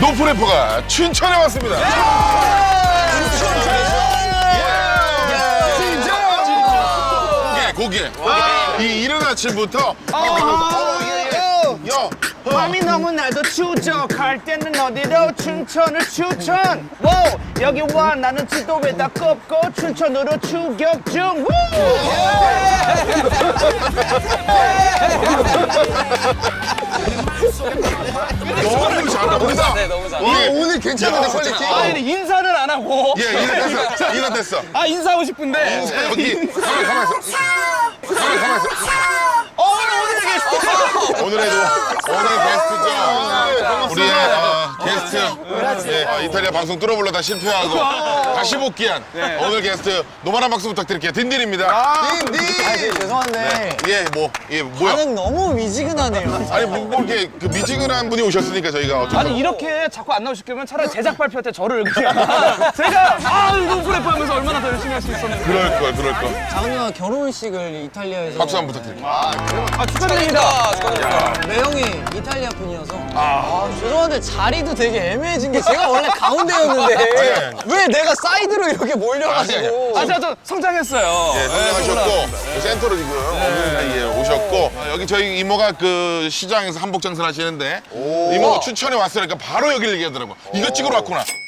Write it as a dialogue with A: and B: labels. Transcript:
A: 노프래퍼가 춘천에 왔습니다. 고개. 이 이른 아침부터.
B: 밤이 너무나도 추적할 때는 어디로 춘천을 추천. 오, 여기 와 나는 지도에다 꼽고 춘천으로 추격 중.
A: 너무 잘합니다.
C: 네, 너무 잘해.
A: 예.
D: 오늘 괜찮은데 퀄리티?
B: 아니 인사를 안 하고.
A: 예, 이거 됐어.
B: 아 인사하고 싶은데.
A: 여기 가만 있어.
B: 오늘 게스트.
A: 오늘 게스트죠. 우리의 게스트. 예, 이탈리아 방송 뚫어불러 다 실패하고 다시 복귀한 오늘 게스트 노만한 박수 부탁드릴게요. 딘딘입니다.
D: 딘딘!
C: 죄송한데
A: 뭐야?
C: 반응 너무 미지근하네요.
A: 아니 뭐 이렇게 그 미지근한 분이 오셨으니까 저희가 어쩔 수
B: 아니 이렇게 자꾸 안 나오실 거면 차라리 제작 발표 때 저를 그냥 제가 노프래퍼 하면서 얼마나 더 열심히 할 수 있었는데.
A: 그럴 걸.
C: 장은이가 결혼식을 이탈리아에서
A: 박수 한번 부탁드릴게요.
B: 아 축하드립니다.
C: 매형이 이탈리아 분이어서 죄송한데 자리도 되게 애매해진 게 제가 원래 가운데였는데 왜 내가 사이드로 이렇게 몰려가지고
B: 아 제가 좀 성장했어요.
A: 예, 성장하셨고 센터로 지금 없는 사이에 오셨고 여기 저희 이모가 그 시장에서 한복 장사를 하시는데 이모가 춘천에 왔으니까 바로 여기를 얘기하더라고. 이거 찍으러 왔구나.